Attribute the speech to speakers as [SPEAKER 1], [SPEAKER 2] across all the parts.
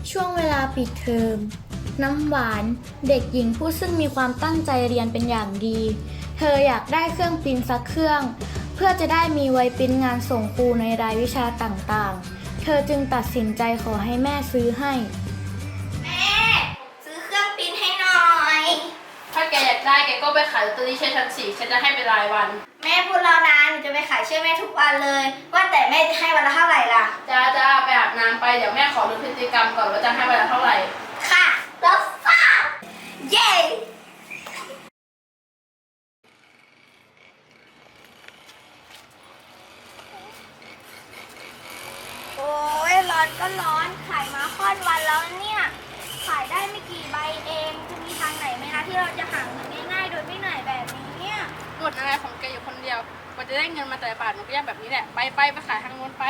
[SPEAKER 1] ช่วงเวลาปิดเทอมน้ำหวานเด็กหญิงผู้ซึ่งมีความตั้งใจเรียนเป็นอย่างดี เธออยากได้เครื่องปริ้นสักเครื่องเพื่อจะได้มีไว้ปริ้นงานส่งครูในรายวิชาต่างๆ เธอจึงตัดสินใจขอให้แม่ซื้อให้
[SPEAKER 2] แม่ซื้อเครื่องปริ้นให้หน่อย
[SPEAKER 3] ถ้าแกอยากได้แกก็ไปขายลอตเตอรี่ช่วยฉันสิฉันจะให้เป็นรายวัน
[SPEAKER 2] แม่พูดแล้วนะหนูจะไปขายช่วยแม่ทุกวันเลยว่าแต่แม่จะให้วันละเท่าไหร่ล่ะ
[SPEAKER 3] จ้าไปอาบน้ำไปเดี๋ยวแม่ขอดูพฤติกรรมก่อนว่าจะให้วันละเท่าไหร่
[SPEAKER 2] ค่ะแล้วฟ้าเย้โอ้ยร้อนก็ร้อนขายมาค่อนวันแล้วเนี่ยขายได้ไม่กี่ใบเองจะมีทางไหนไหมคะที่เราจะหาเงินง่ายๆโดยไม่เหนื่อยแบบนี้เนี่ย
[SPEAKER 3] หมดอะไรของแกอยู่คนเดียวกว่าจะได้เงินมาแต่ละบาทหนูก็ยากแบบนี้แหละไปขายทางโน้นไป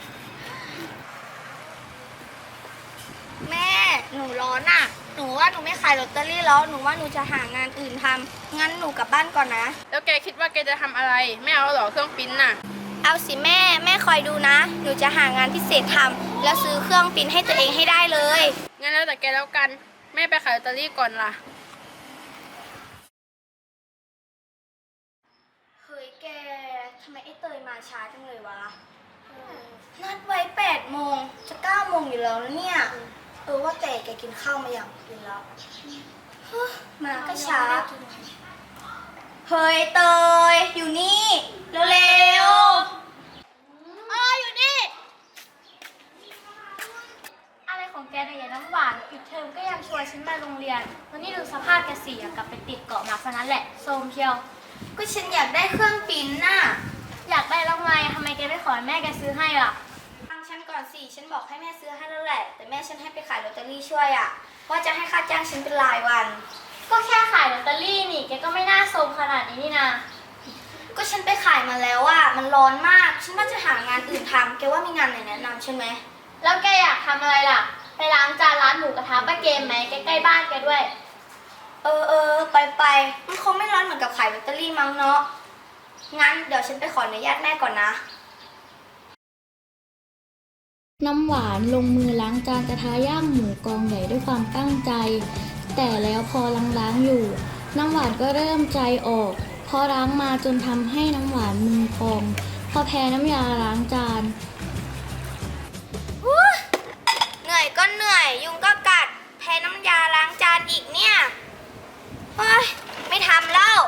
[SPEAKER 2] แม่หนูร้อนอ่ะหนูว่าหนูไม่ขายลอตเตอรี่แล้วหนูว่าหนูจะหางานอื่นทำงั้นหนูกลับบ้านก่อนนะ
[SPEAKER 3] แล้วแกคิดว่าแกจะทำอะไรไม่เอาหรอเครื่องปริ้นน่ะ
[SPEAKER 2] เอาสิแม่คอยดูนะหนูจะหางานพิเศษทำแล้วซื้อเครื่องปริ้นให้ตัวเองให้ได้เลย
[SPEAKER 3] งั้นแล้วแต่แกแล้วกันแม่ไปขายลอตเตอรี่ก่อนล่ะ
[SPEAKER 2] เฮ้ยแกทำไมไอ้เตยมาช้าจังเลยวะนัดไว้8 โมงจะ9 โมงอยู่แล้วนะเนี่ยว่าแต่แกกินข้าวมาอย่างกินแล้วมาก็ช้าเฮ้ยเตยอยู่นี่เร็วอยู่นี่
[SPEAKER 1] อะไรของแกเนี่ยยายน้ำหวานปิดเทอมก็ยังชวนฉันมาโรงเรียนวันนี้ดูสภาพแกสิกลับไปติดเกาะมาซะนั้นแหละโซมเชียว
[SPEAKER 2] ก็ฉันอยากได้เครื่องปริ้นน่ะ
[SPEAKER 1] อยากได้แล้วไงทำไมแกไม่ขอให้แม่แกซื้อให้ล่ะ
[SPEAKER 2] ฟังฉันก่อนสิฉันบอกให้แม่ซื้อให้แล้วแหละแต่แม่ฉันให้ไปขายลอตเตอรี่ช่วยว่าจะให้ค่าจ้างฉันเป็นรายวัน
[SPEAKER 1] ก็แค่ขายลอตเตอรี่นี่แกก็ไม่น่าโซมขนาดนี้นี่นะ
[SPEAKER 2] ก็ฉันไปขายมาแล้วมันร้อนมากฉันว่าจะหางานอื่นทำแกว่ามีงานไหนแนะนำใช่ไหม
[SPEAKER 1] แล้วแกอยากทำอะไรล่ะไปล้างจานร้านหมูกระทะป้าเกมไหมใกล้ๆบ้านแกด้วย
[SPEAKER 2] ไปมันคงไม่ร้อนเหมือนกับขายลอตเตอรี่มั้งเนาะงั้นเดี๋ยวฉันไปขออนุญาตแม่ก่อนนะ
[SPEAKER 1] น้ำหวานลงมือล้างจานกระทะย่างหมูกองใหญ่ด้วยความตั้งใจ แต่แล้วพอล้างอยู่น้ำหวานก็เริ่มใจออกเพราะล้างมาจนทำให้น้ำหวานมือพองพอแพ้น้ำยาล้างจาน
[SPEAKER 2] เหนื่อยก็เหนื่อยยุงก็กัดแพ้น้ำยาล้างจานอีกเนี่ยไม่ทำแล้ว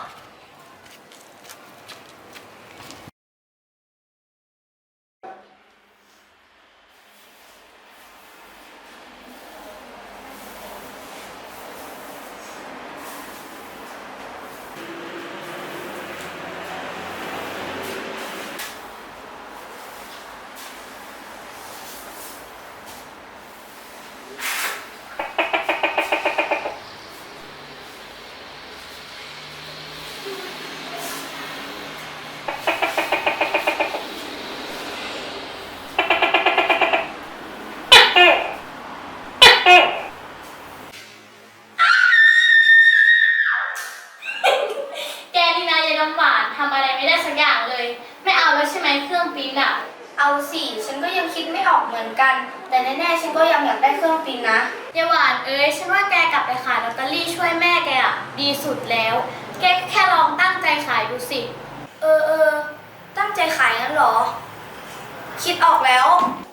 [SPEAKER 1] น้ำหวานทำอะไรไม่ได้สักอย่างเลยไม่เอาแล้วใช่ไหมเครื่องปริ้น
[SPEAKER 2] เอาสิฉันก็ยังคิดไม่ออกเหมือนกันแต่แน่ๆฉันก็ยังอยากได้เครื่องปริ้นนะ
[SPEAKER 1] ยายหวานฉันว่าแกกลับไปขายลอตเตอรี่ช่วยแม่แกดีสุดแล้วแกแค่ลองตั้งใจขายดูสิ
[SPEAKER 2] ตั้งใจขายงั้นเหรอคิดออกแล้ว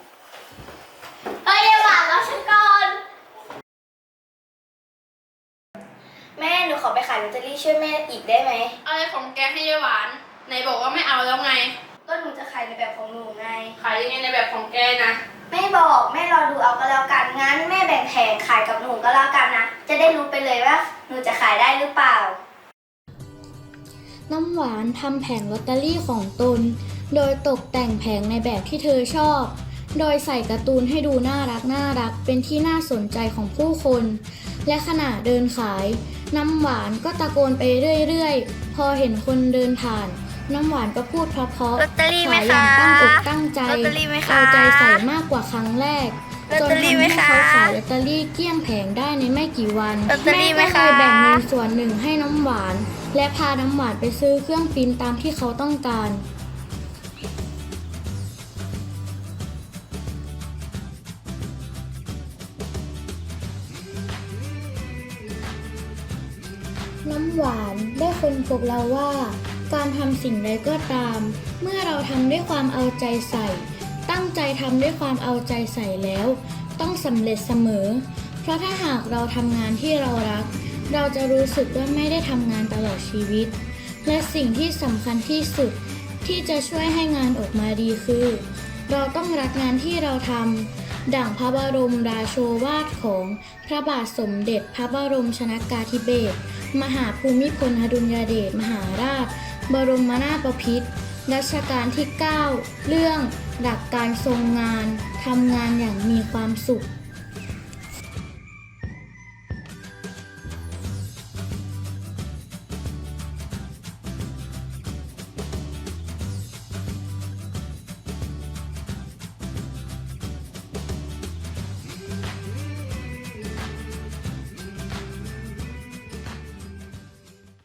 [SPEAKER 1] ยายหวานแล้วฉันก่อน
[SPEAKER 2] แม่หนูขอไปขายลอตเตอรี่ช่วยแม่อีกได้ไหม
[SPEAKER 3] อะไรของแกให้ยายหวานไหนบอกว่าไม่เอาแล้วไง
[SPEAKER 2] ก็หนูจะขายในแบบของหนูไง
[SPEAKER 3] ขายยังไงในแบบของแกนะ
[SPEAKER 2] ไม่บอกแม่รอดูเอาก็แล้วกันงั้นแม่แบ่งแผงขายกับหนูก็แล้วกันนะจะได้รู้ไปเลยว่าหนูจะขายได้หรือเปล่า
[SPEAKER 1] น้ำหวานทำแผงลอตเตอรี่ของตนโดยตกแต่งแผงในแบบที่เธอชอบโดยใส่การ์ตูนให้ดูน่ารักเป็นที่น่าสนใจของผู้คนและขณะเดินขายน้ำหวานก็ตะโกนไปเรื่อยๆพอเห็นคนเดินผ่านน้ำหวานก็พูดเพราะๆขายอย่างตั้งอกตั้งใจเอาใจใส่มากกว่าครั้งแรกจนทำให้เขาขายลอตเตอรี่เกลี้ยงแผงได้ในไม่กี่วันแม่ก็เลยแบ่งเงินส่วนหนึ่งให้น้ำหวานและพาน้ำหวานไปซื้อเครื่องปริ้นตามที่เขาต้องการน้ำหวานได้ค้นพบแล้วว่า การทำสิ่งใดก็ตาม เมื่อเราทำด้วยความเอาใจใส่ ตั้งใจทำด้วยความเอาใจใส่แล้ว ต้องสำเร็จเสมอ เพราะถ้าหากเราทำงานที่เรารัก เราจะรู้สึกว่าไม่ได้ทำงานตลอดชีวิต และสิ่งที่สำคัญที่สุดที่จะช่วยให้งานออกมาดีคือ เราต้องรักงานที่เราทำดั่งพระบรมราโชวาทของพระบาทสมเด็จพระบรมชนกาธิเบศรมหาภูมิพลอดุลยเดชมหาราช บรมนาถบพิตรรัชกาลที่ 9 เรื่องหลักการทรงงานทำงานอย่างมีความสุข